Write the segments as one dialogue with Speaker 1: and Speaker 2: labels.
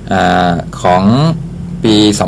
Speaker 1: ของปี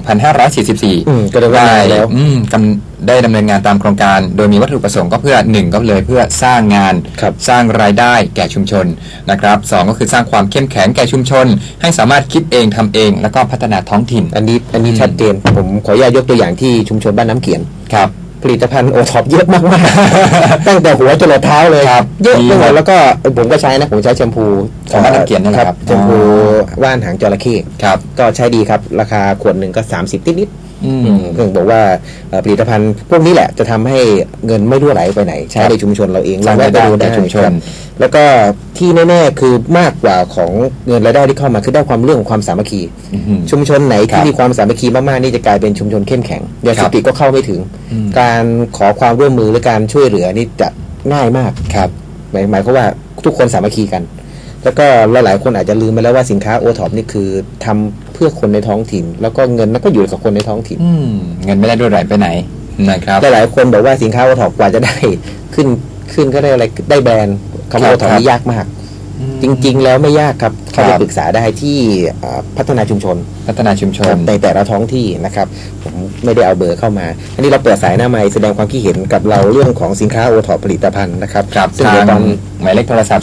Speaker 1: 2544
Speaker 2: ก็ได้แล้ว
Speaker 1: ได้ดำเนินงานตามโครงการโดยมีวัตถุประสงค์ก็เพื่อ1ก็เลยเพื่อสร้างงานสร้างรายได้แก่ชุมชนนะครับ2ก็คือสร้างความเข้มแข็งแก่ชุมชนให้สามารถคิดเองทำเองแล้วก็พัฒนาท้องถิ่น
Speaker 2: อันนี้ชัดเจนผมขออนุญาตยกตัวอย่างที่ชุมชนบ้านน้ำเขียน
Speaker 1: ครับ
Speaker 2: ผลิตภัณฑ์โอท็อปเยอะมากๆ ตั้งแต่หัวจรดเท้าเลยเยอะไปหมดแล้วก็ผมก็ใช้นะผมใช้แชมพู
Speaker 1: ของบ้านน้ำเขียนนี่แหละครับ
Speaker 2: แชมพูว่านหางจระเข้ก็ใช้ดีครับราคาขวดหนึ่งก็30นิดๆคือบอกว่าผลิตภัณฑ์พวกนี้แหละจะทำให้เงินไม่รั่วไหลไปไหนใช้ในชุมชนเราเอง
Speaker 1: เราได้ดูในชุมชน
Speaker 2: แล้วก็ที่แน่ๆคือมากกว่าของเงินรายได้ที่เข้ามาคือได้ความเรื่องของความสามัคคีชุมชนไหนที่มีความสามัคคีมากๆนี่จะกลายเป็นชุมชนเข้มแข็งยาเสพติดก็เข้าไม่ถึงการขอความร่วมมือหรือการช่วยเหลือนี่จะง่ายมาก
Speaker 1: ครับ
Speaker 2: หมายความว่าทุกคนสามัคคีกันแล้วก็หลายๆคนอาจจะลืมไปแล้วว่าสินค้าโอท็อปนี่คือทำเพื่อคนในท้องถิ่นแล้วก็เงินก็อยู่กับคนในท้องถิ่น
Speaker 1: เงินไม่ได้รั่วไหลไปไหนนะครับ
Speaker 2: หลายๆคนบอกว่าสินค้าโอท็อปกว่าจะได้ขึ้นก็ได้อะไรได้แบรนด์คำว่าโอท็อปนี่ยากมากจริงๆแล้วไม่ยากครับเขาไปปรึกษาได้ที่พัฒนาชุมชนในแต่ละท้องที่นะครับผมไม่ได้เอาเบอร์เข้ามาอันนี้เราเปิดสายหน้าไมค์แสดงความคิดเห็นกับเราเรื่องของสินค้าโอท็อปผลิตภัณฑ์นะครับ
Speaker 1: ซึ่งตอนหมายเลขโทรศัพท์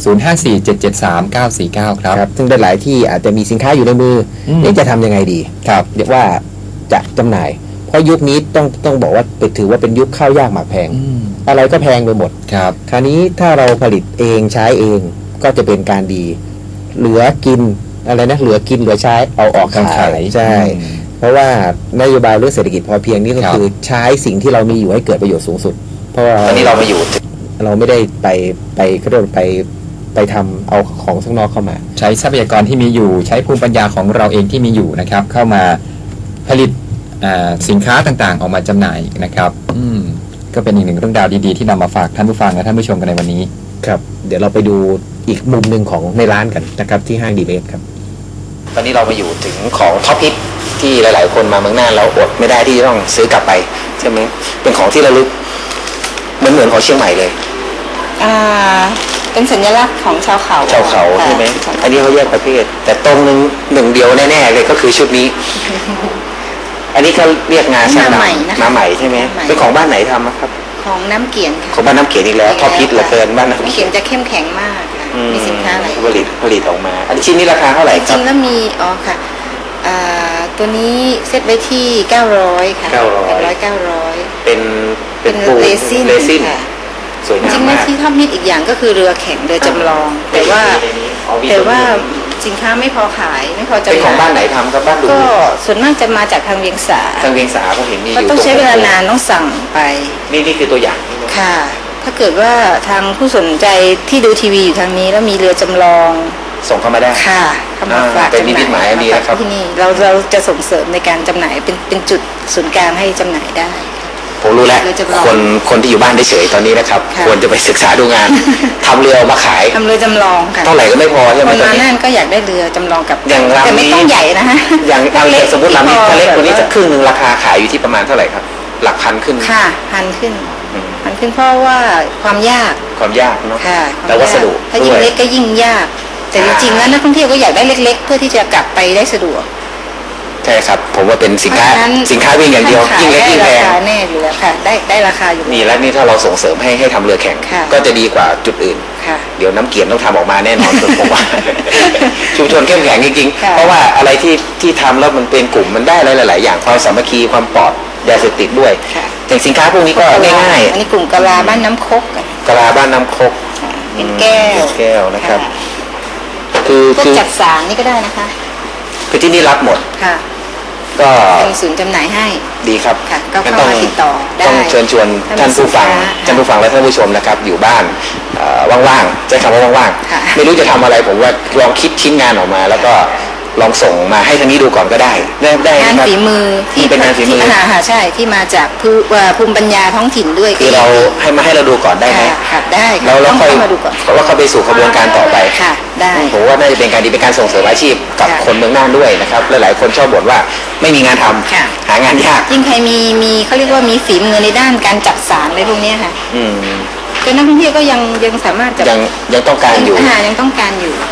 Speaker 1: 05477399ครับ
Speaker 2: ซึ่งหลายที่อาจจะมีสินค้าอยู่ในมือนี่จะทำยังไงดี
Speaker 1: ครับ
Speaker 2: เรียกว่าจะจำหน่ายเพราะยุคนี้ต้องบอกว่าถือว่าเป็นยุคข้าวยากหมากแพงอะไรก็แพงไปหมด
Speaker 1: ครับ
Speaker 2: คราวนี้ถ้าเราผลิตเองใช้เองก็จะเป็นการดีเหลือกินอะไรนะเหลือกินเหลือใช้เอาออกขายใช่เพราะว่านโยบายเรื่องเศรษฐกิจพอเพียงนี่ก็คือใช้สิ่งที่เรามีอยู่ให้เกิดประโยชน์สูงสุดเพราะว่า
Speaker 1: ตอนนี้เราไม่อยู่
Speaker 2: เราไม่ได้เขาเรียกไปทำเอาของข้างนอกเข้ามา
Speaker 1: ใช้ทรัพยากรที่มีอยู่ใช้ภูมิปัญญาของเราเองที่มีอยู่นะครับเข้ามาผลิตสินค้าต่างๆออกมาจำหน่ายนะครับก็เป็นอีกหนึ่งเรื่องราวดีๆที่นำมาฝากท่านผู้ฟังและท่านผู้ชมกันในวันนี้
Speaker 2: ครับเดี๋ยวเราไปดูอีกมุมหนึ่งของในร้านกันนะครับที่ห้างดีเบสครับตอนนี้เรามาอยู่ถึงของท็อปฮิตที่หลายๆคนมาเมืองน่านแล้วอดไม่ได้ที่ต้องซื้อกลับไปใช่ไหมเป็นของที่ระลึกเหมือนของเชียงใหม่เลย
Speaker 3: เป็นสัญลักษณ์ของชาวเขา
Speaker 2: ใช่ไหมอันนี้เขาแยกประเภทแต่ตรงหนึ่งเดียวแน่ๆเลยก็คือชุดนี้อันนี้เขาเรียกงาช้างมาใหม่ใช่ไหมเป็นของบ้านไหนทำครับ
Speaker 3: ของน้ำเกียน
Speaker 2: ของบ้านน้ำเกียนอีกแล้วท็อปฮิตเหลือเกินบ้านน้ำ
Speaker 3: เกียนจะเข้มแข็งมากมีสินค้าอะไร
Speaker 2: ผลิตออกมาอันชิ้นนี้ราคาเท่าไหร่ครับ
Speaker 3: จริงแล้วมีค่ะตัวนี้เซตไว้ที่900ค่ะ900
Speaker 2: เป็น
Speaker 3: เรซิน
Speaker 2: สวยงามมาก
Speaker 3: จริงๆที่ท็อปฮิตอีกอย่างก็คือเรือแข็งเรือจำลองแต่ว่าสินค้าไม่พอขายไม่พอจำหน่าย
Speaker 2: เป็นของบ้านไหนทำครับบ้านดู
Speaker 3: ก็ส่วนมากจะมาจากทางเวียงสา
Speaker 2: ผมเห็นมี
Speaker 3: อยู่ต้องใช้เวลานานต้องสั่งไป
Speaker 2: นี่คือตัวอย่าง
Speaker 3: ค่ะถ้าเกิดว่าทางผู้สนใจที่ดูทีวีอยู่ทางนี้แล้วมีเรือจำลอง
Speaker 2: ส่งเข้ามาได้
Speaker 3: ค่ะเข้ามาฝาก
Speaker 2: เป็นนิมิตหมายอันนี้นะครับ
Speaker 3: ที่นี่เราจะส่งเสริมในการจำหน่ายเป็นจุดศูนย์กลางให้จำหน่ายได้
Speaker 2: ผมรู้แล้วคนที่อยู่บ้านเฉยๆตอนนี้นะครับควรจะไปศึกษาดูงานทำเรือมาขาย
Speaker 3: ทำเรือจำลองค่ะ
Speaker 2: เท่าไหร่ก็ไม่พอใช่ไหม
Speaker 3: ตอนนี้ก็อยากได้เรือจำลองกับ
Speaker 2: แต่
Speaker 3: ไม่ต้องใหญ่นะฮะ
Speaker 2: อย่างสมมติลำนี้ถ้าเล็กกว่านี้จะครึ่งนึงราคาขายอยู่ที่ประมาณเท่าไหร่ครับหลักพันขึ้น
Speaker 3: ค่ะพันขึ้นเพราะว่าความยาก
Speaker 2: เนาะ
Speaker 3: แต่
Speaker 2: วัสดุ
Speaker 3: ถ้ายิ่งเล็กก็ยิ่งยากแต่จริงๆแล้วนักท่องเที่ยวก็อยากได้เล็กๆเพื่อที่จะกลับไปได้สะดวก
Speaker 2: ใช่ครับผมว่าเป็นสินค้าวิ่งอย่างเดียวยิ่งเล็กยิ่งแพง
Speaker 3: แน่อยู่แล้วค่ะได้ราคาอยู่
Speaker 2: นี่แล้วนี่ถ้าเราส่งเสริมให้ทำเรือแข่งก็จะดีกว่าจุดอื่นเดี๋ยวน้ำเกียนต้องทำออกมาแน่นอนผมว่าชุมชนเข้มแข็งจริงๆเพราะว่าอะไรที่ทำแล้วมันเป็นกลุ่มมันได้หลายๆอย่างความสามัคคีความปลอดยาเสพติดด้วยแต่สินค้าพวกนี้ก็ง่าย
Speaker 3: ๆอันนี้กลุ่มกะลาบ้านน้ำคก
Speaker 2: เป็นแก้วนะครับ
Speaker 3: คือจัดสารนี่ก็ได้นะคะ
Speaker 2: คือที่นี่รับหมด
Speaker 3: ค่ะก็เป็นศูนย์จำหน่ายให้
Speaker 2: ดีครับ
Speaker 3: ค่ะก็เข้ามาติดต่อได้
Speaker 2: ต้องเชิญชวนท่านผู้ฟังและท่านผู้ชมนะครับอยู่บ้านว่างๆใช้คำว่าว่างๆไม่รู้จะทำอะไรผมว่าลองคิดชิ้นงานออกมาแล้วก็ลองส่งมาให้ทางนี้ดูก่อนก็ได้
Speaker 3: งานฝีมือที่
Speaker 2: เป็นงานฝีมือ
Speaker 3: ใช่ที่มาจากภูมิปัญญาท้องถิ่นด้วย
Speaker 2: คือเราให้เราดูก่อนได้ไหม
Speaker 3: ได้
Speaker 2: แล้วค่อย
Speaker 3: มาดูก่อน
Speaker 2: เพราะว่าเขาไปสู่กระบวนการต่อไป
Speaker 3: ค่ะได้
Speaker 2: ผมว่าน่าจะเป็นการดีเป็นการส่งเสริมอาชีพกับคนเมืองน่านด้วยนะครับหลายๆคนชอบบ่นว่าไม่มีงานทำหางานยาก
Speaker 3: ยิ่งใครมีเขาเรียกว่ามีฝีมือในด้านการจัดสารอะไรพวกนี้ค่ะก็นักท่องเที่ยวก็ยังสามารถ
Speaker 2: ยังต้องการอยู่
Speaker 3: ยังต้องการอยู่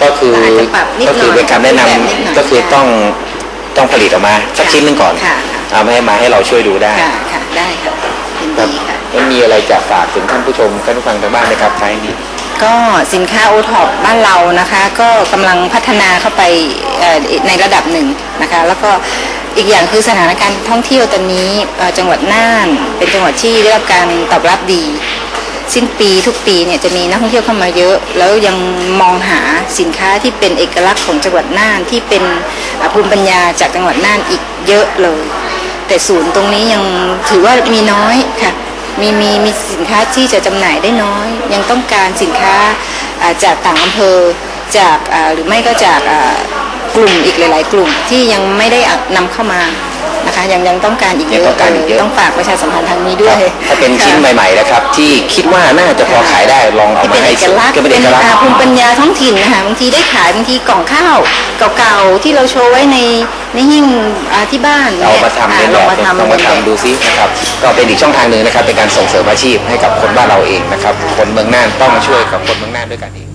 Speaker 2: ก็คือ
Speaker 3: อาจจะปรับนิดหน่อย
Speaker 2: ก็คือเป็นคำแนะน
Speaker 3: แบบนิดหน่อย
Speaker 2: ำก็คือต้องผลิตออกมาสักชิ้นหนึงก่อน
Speaker 3: ค่ะ
Speaker 2: เอามาให้เราช่วยดูได้
Speaker 3: ค่ะค่ะได้ค่ะยิน
Speaker 2: ครับ
Speaker 3: ดีค่ะ
Speaker 2: แล้วมีอะไรจะฝากถึงท่านผู้ชมท่านผู้ฟังทางบ้านไหมครับท้ายนี้
Speaker 3: ก็สินค้าโอท็อปบ้านเรานะคะ ก็กำลังพัฒนาเข้าไปในระดับหนึ่งนะคะ แล้วก็อีกอย่างคือสถานการณ์ท่องเที่ยวตอนนี้จังหวัดน่านเป็นจังหวัดที่ได้รับการตอบรับดี สิ้นปีทุกปีเนี่ยจะมีนักท่องเที่ยวเข้ามาเยอะ แล้วยังมองหาสินค้าที่เป็นเอกลักษณ์ของจังหวัดน่านที่เป็นภูมิปัญญาจากจังหวัดน่านอีกเยอะเลย แต่ศูนย์ตรงนี้ยังถือว่ามีน้อยค่ะมีสินค้าที่จะจำหน่ายได้น้อย ยังต้องการสินค้าจากต่างอำเภอจากหรือไม่ก็จากกลุ่มอีกหลาย ๆ กลุ่มที่ยังไม่ได้นำเข้ามานะคะยังต้องการอีกเย
Speaker 2: ยังต้
Speaker 3: อะ
Speaker 2: องการอีกเยอะ
Speaker 3: ต้องฝากประชาสัมพันธ์ทางนี้ด้วย
Speaker 2: ถ้าเป็นชิ้นใหม่ๆนะครับที่คิดว่าน่าจะพอขายได้ลองเอามา
Speaker 3: เป็น
Speaker 2: ให้
Speaker 3: เอกลักษณ์
Speaker 2: ก็เป็นเอกลักษณ์
Speaker 3: ภูมิปัญญาท้องถิ่นนะคะบางทีได้ขายบางทีกล่องข้าวเก่าๆที่เราโชว์ไว้ในหิ้งที่บ้าน
Speaker 2: เอามาทำเป็น
Speaker 3: ล
Speaker 2: แบ
Speaker 3: อง
Speaker 2: บ
Speaker 3: มาทำ
Speaker 2: ลองมาทำดูซินะครับก็เป็นอีกช่องทางหนึ่งนะครับเป็นการส่งเสริมอาชีพให้กับคนบ้านเราเองนะครับคนเมืองน่านต้องมาช่วยกับคนเมืองน่านด้วยกันเอง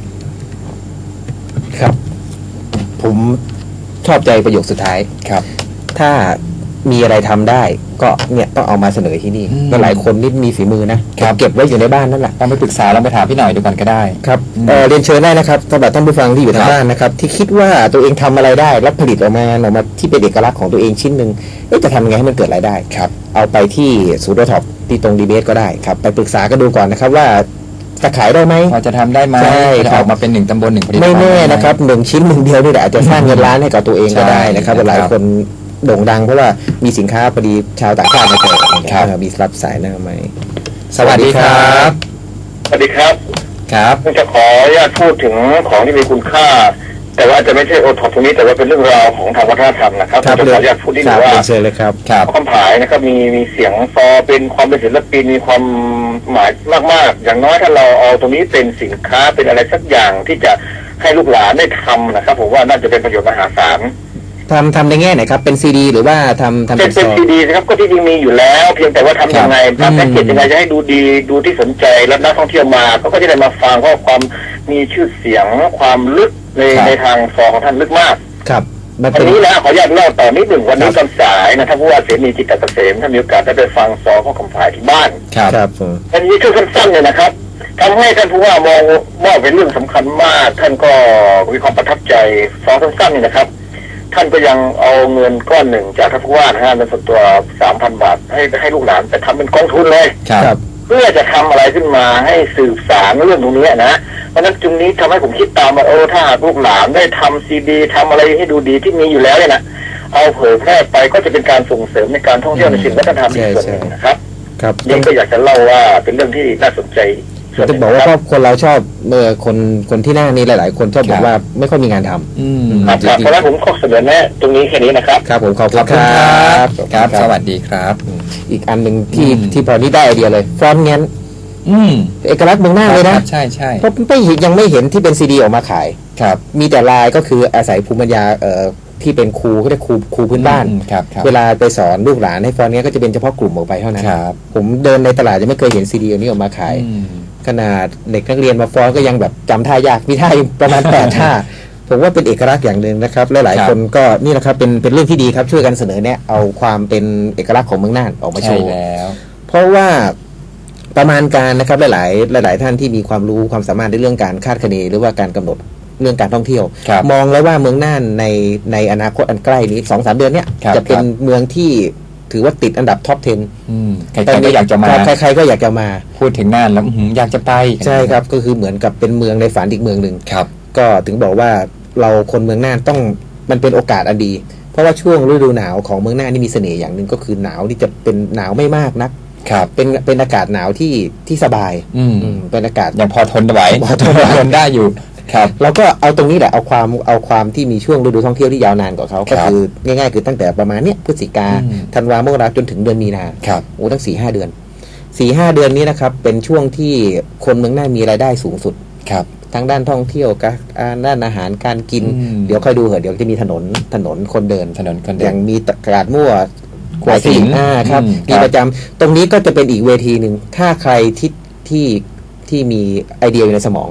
Speaker 2: ครับ ผมชอบใจประโยคสุดท้าย
Speaker 1: ครับ
Speaker 2: ถ้ามีอะไรทำได้ก็เนี่ยต้องเอามาเสนอที่นี่
Speaker 1: อืม
Speaker 2: ก็หลายคนนี่มีฝีมือนะครับ เก็บไว้อยู่ในบ้านนั่นแหละ
Speaker 1: ต้องไปปรึกษาแล้วไปถามพี่หน่อยดูก่อนก็ได้
Speaker 2: ครับ
Speaker 1: อืม
Speaker 2: เรียนเชิญได้นะครับสำหรับท่านผู้ฟังที่อยู่ทาง
Speaker 1: ครับ
Speaker 2: บ้านนะครับ ที่คิดว่าตัวเองทำอะไรได้แล้วผลิตออกมาที่เป็นเอกลักษณ์ของตัวเองชิ้นหนึ่งจะทำยังไงให้มันเกิดรายได้
Speaker 1: ครับ
Speaker 2: เอาไปที่ศูนย์โอท็อปที่ตรงดีเบตก็ได้ครับไปปรึกษากันดูก่อนนะครับว่าจะขายได้ไหม
Speaker 1: พอจะทำได้ไหม
Speaker 2: ใช่
Speaker 1: จะ
Speaker 2: ครั
Speaker 1: อบ อกมาเป็น1 ตำบล 1 ผลิตภัณฑ์
Speaker 2: ไม่แน่
Speaker 1: ด้ห
Speaker 2: นะครับหนึ่งชิ้นหนึ่งเดียวนี่แหละอาจจะสร้างเงินล้านให้กับตัวเองก็ได้นะครับ
Speaker 1: ใช่
Speaker 2: หลาย
Speaker 1: ครับ
Speaker 2: คนโด่งดังเพราะว่ามีสินค้าพอดีชาวต่างชาติมาเจอกัน
Speaker 1: ครับ
Speaker 2: มีรับสายหน้าไหม
Speaker 1: สวัสดีครับ
Speaker 4: สวัสดีครับ
Speaker 1: ครับ
Speaker 4: ผมจะขออนุญาตพูดถึงของที่มีคุณค่า แต่ว่าอาจจะไม่ใช่โอท็อปตรงนี้แต่ว่าเป็นเรื่องราวของทางวัฒนธรรมนะครับผมจะขออนุญาตพูดนิด
Speaker 2: ค
Speaker 4: นึ
Speaker 2: รับ
Speaker 4: งว่า
Speaker 2: เรียนเชิญเลยครับ
Speaker 1: ครับ
Speaker 4: คำผายนะครับมีเสียงซอเป็นความเป็นศิลปินมีความหมายมากๆ อย่างน้อยถ้าเราเอาตรงนี้เป็นสินค้าเป็นอะไรสักอย่างที่จะให้ลูกหลานได้ทำนะครับผมว่าน่าจะเป็นประโยชน์มหาศาล
Speaker 2: ทำในแง่ไหนครับเป็นซีดีหรือว่าทำ
Speaker 4: เป็
Speaker 2: เป็น น
Speaker 4: เป็น
Speaker 2: ซอง
Speaker 4: ซีดีนะครับก็ที่จริงมีอยู่แล้ว เพียงแต่ว่าทำยังไง
Speaker 1: ครับ
Speaker 4: ทำแพ็กเกจยังไงจะให้ดูดีดูที่สนใจแล้วนักท่องเที่ยวมาก็จะได้มาฟังเพราะความมีชื่อเสียงความลึกในทางซองของท่านลึกมาก
Speaker 2: ครับมัน
Speaker 4: วั
Speaker 2: เป็น น
Speaker 4: นี้นะขออนุญาตเล่าต่อนิดหนึ่งวันนี้
Speaker 2: ครั
Speaker 4: ตอบ นสายนะท่านผู้ว่าเสนีจิตตเกษมท่านมีโอกาสได้ไปฟังซองของคำผายที่บ้าน
Speaker 1: ครับ
Speaker 2: ครับผม
Speaker 4: อันนี้คือสั้นๆเลยนะครับทำให้ท่านผู้ว่ามองว่าเป็นเรื่องสำคัญมาก ท่านก็มีความประทับใจซองสั้นๆนี่นะครับ ท่านก็ยังเอาเงินก้อนหนึ่งจากท่านผู้ว่านะฮะเงินส่วนตัว 3,000 บาทให้ลูกหลานไปทำเป็นกองทุนเลย
Speaker 1: ครับ
Speaker 4: เพื่อจะทำอะไรขึ้นมาให้สืบสารเรื่องตรงนี้นะเพราะฉะนั้นจุดนี้ทำให้ผมคิดตามว่าถ้าหากลูกหลานได้ทำซีดีทำอะไรให้ดูดีที่มีอยู่แล้วเนี่ยนะเอาเผยแพร่ไปก็จะเป็นการส่งเสริมในการท่องเที่ยวในสิ่งวัฒนธรรมอีกส่วนหนึ่งนะครับ
Speaker 2: ครับ
Speaker 4: นี่ก็อยากจะเล่าว่าเป็นเรื่องที่น่าสนใจส่วนห
Speaker 2: จะ
Speaker 4: นึ่ง
Speaker 2: บอกว่า
Speaker 4: นะ
Speaker 2: ค
Speaker 4: ค
Speaker 2: ร
Speaker 4: รั
Speaker 2: อบคนเราชอบคนที่หน้านี้หลาย ๆ คนชอบบอกว่าไม่ค่อยมีงานทำ
Speaker 1: อืม
Speaker 4: ครับครับเพราะฉะนั้นผมขอเสนอแนะตรงนี้แค่นี้นะครับ
Speaker 2: ครับผมขอบ
Speaker 1: ข
Speaker 2: คุ
Speaker 1: อบ
Speaker 2: ณ
Speaker 1: คุณ
Speaker 2: ค
Speaker 1: ค
Speaker 2: รั
Speaker 1: รับ บครับ สวัสดีครับ
Speaker 2: อีกอันหนึ่งที่
Speaker 1: อืม
Speaker 2: ที่พอนี้ได้ไอเดียเลยฟอนต์งั้น
Speaker 1: อืม
Speaker 2: เอกลักษณ์เมืองหน้าเลย
Speaker 1: ค
Speaker 2: นะ
Speaker 1: รับใช่ใช่
Speaker 2: เพราะยังไม่เห็นที่เป็นซีดีออกมาขาย
Speaker 1: ครับ
Speaker 2: มีแต่ลายก็คืออาศัยภูมิปัญญาที่เป็นครูเขาเรียกครูพื้นบ้าน
Speaker 1: อืมครับครับ
Speaker 2: เวลาไปสอนลูกหลานให้ฟอนต์เนี้ยก็จะเป็นเฉพาะกลุ่มออกไปเท่านั้น
Speaker 1: ครับ
Speaker 2: ผมเดินในตลาดยังไม่เคยเห็นซีดีอันนี้ออกมาขาย
Speaker 1: อืม
Speaker 2: ขนาดเด็กนักเรียนมาฟ้อนก็ยังแบบจำท่ายากมีท่าอยู่ประมาณ 8 ท่า ผมว่าเป็นเอกลักษณ์อย่างหนึ่งนะครับและหลาย
Speaker 1: ครับ
Speaker 2: คนก็นี่แหละครับเป็นเรื่องที่ดีครับช่วยกันเสนอแนะเอาความเป็นเอกลักษณ์ของเมืองน่านออกมาโช
Speaker 1: ใช่
Speaker 2: ว์
Speaker 1: แล้ว
Speaker 2: เพราะว่าประมาณการนะครับหลายท่านที่มีความรู้ความสามารถในเรื่องการคาดคะเนหรือว่าการกำหนดเรื่องการท่องเที่ยว
Speaker 1: ครับ
Speaker 2: มองแล้วว่าเมืองน่านในอนาคตอันใกล้นี้ 2-3 เดือนเนี้ย
Speaker 1: ครับ
Speaker 2: จะเป็น
Speaker 1: ครับ
Speaker 2: เมืองที่ถือว่าติดอันดับท็อป 10
Speaker 1: อืมใครๆก็อยากจะมา
Speaker 2: ใครๆก็อยากจะมา
Speaker 1: พูดถึงน่านแล้วอยากจะไป
Speaker 2: ใช่ครับก็คือเหมือนกับเป็นเมืองในฝันอีกเมืองหนึ่ง
Speaker 1: ครับ
Speaker 2: ก็ถึงบอกว่าเราคนเมืองน่านต้องมันเป็นโอกาสอันดี เพราะว่าช่วงฤดูหนาวของเมืองน่านนี่มีเสน่ห์อย่างหนึ่งก็คือหนาวที่จะเป็นหนาวไม่มากนัก
Speaker 1: ครับ
Speaker 2: เป็นอากาศหนาวที่สบาย
Speaker 1: อืม
Speaker 2: เป็นอากาศ
Speaker 1: ยังพอทนไหว
Speaker 2: พอทนไหว
Speaker 1: ทนได้อยู่ ครับ
Speaker 2: เราก็เอาตรงนี้แหละเอาความที่มีช่วงฤดูท่องเที่ยวที่ยาวนานกว่าเขา
Speaker 1: ค
Speaker 2: ก็
Speaker 1: รับ
Speaker 2: คือง่ายๆคือตั้งแต่ประมาณเนี้ยพฤศจิกา
Speaker 1: อืม
Speaker 2: ธันวามกราจนถึงเดือนมีนา
Speaker 1: ครับ
Speaker 2: โอ้ตั้ง 4-5 เดือน 4-5 เดือนนี้นะครับเป็นช่วงที่คนเมืองน่านมีรายได้สูงสุด
Speaker 1: ครับ
Speaker 2: ทั้งด้านท่องเที่ยวการด้านอาหารการกิน
Speaker 1: อืม
Speaker 2: เดี๋ยวค่อยดูเหอะเดี๋ยวจะมีถนนคนเดิน
Speaker 1: ถนนคน
Speaker 2: อ
Speaker 1: เดิ
Speaker 2: ย่าน งมีตลาดมั่ว
Speaker 1: หัวหิน
Speaker 2: ครับ
Speaker 1: อืม
Speaker 2: มี
Speaker 1: ครับ
Speaker 2: ประจำตรงนี้ก็จะเป็นอีกเวทีหนึ่งถ้าใครที่มีไอเดียอยู่ในสมอง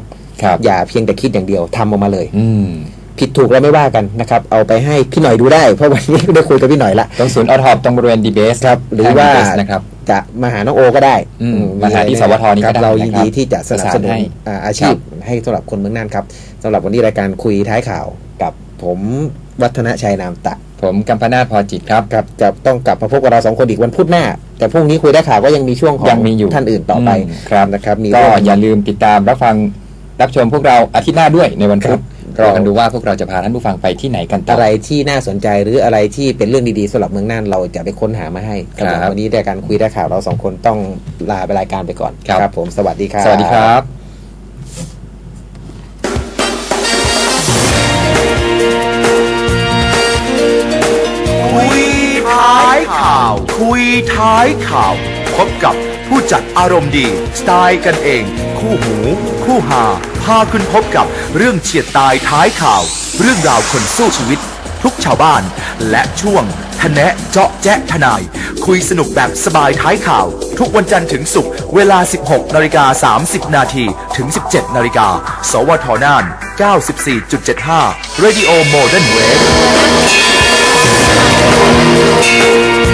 Speaker 1: ครับ
Speaker 2: อย่าเพียงแต่คิดอย่างเดียวทำออกมาเลย
Speaker 1: อืม
Speaker 2: ผิดถูกเราไม่ว่ากันนะครับเอาไปให้พี่หน่อยดูได้เพราะวันนี้ได้คุยกับพี่หน่อยละ
Speaker 1: ตรงศูนย์ออทอปตรงบริเวณดีเบส
Speaker 2: ครับหรือว่า
Speaker 1: นะครับ
Speaker 2: จะมาหาน้องโอก็ได้
Speaker 1: มาหาที่สวทนี่ก็ได้
Speaker 2: เรายินดีที่จะสนับสนุน
Speaker 1: ให้
Speaker 2: อาชีพให้สำหรับคนเมืองน่านครับสำหรับวันนี้รายการคุยท้ายข่าวกับผมวัฒนชัยนามตะ
Speaker 1: ผมกัมปนาทพอจิตครับ
Speaker 2: ครับจะต้องกลับมาพบกับเราสองคนอีกวันพุธหน้า แต่พรุ่งนี้คุยได้ข่าวก็ยังมีช่วงของ
Speaker 1: ยังมีอยู่
Speaker 2: ท่านอื่นต่อไป
Speaker 1: ครับ
Speaker 2: นะครับมี
Speaker 1: ก็
Speaker 2: เรื่อง
Speaker 1: อย่าลืมติดตามรับฟังรับชมพวกเราอาทิตย์หน้าด้วยในวันพุธ
Speaker 2: ครับ
Speaker 1: รอกันดูว่าพวกเราจะพาท่านผู้ฟังไปที่ไหนกันต่อ
Speaker 2: อะไรที่น่าสนใจหรืออะไรที่เป็นเรื่องดีๆสำหรับเมืองน่านเราจะไปค้นหามาให้
Speaker 1: ครับ
Speaker 2: สำหรับวันนี้รายการคุยได้ข่าวเราสองคนต้องลาไปรายการไปก่อน
Speaker 1: ครับ
Speaker 2: ผมสวัสดีครับ
Speaker 1: สวัสดีครับ
Speaker 5: คุยท้ายข่าว คุยท้ายข่าว พบกับผู้จัดอารมณ์ดี สไตล์กันเอง คู่หู คู่หา พาคุณพบกับเรื่องเฉียดตายท้ายข่าว เรื่องราวคนสู้ชีวิต ทุกชาวบ้าน และช่วงทะแนะเจาะแจ๊ะทนาย คุยสนุกแบบสบายท้ายข่าว ทุกวันจันทร์ถึงศุกร์เวลา 16:30 นาทีถึง 17 นาฬิกาสวทน่าน 94.75 Radio Modern Wave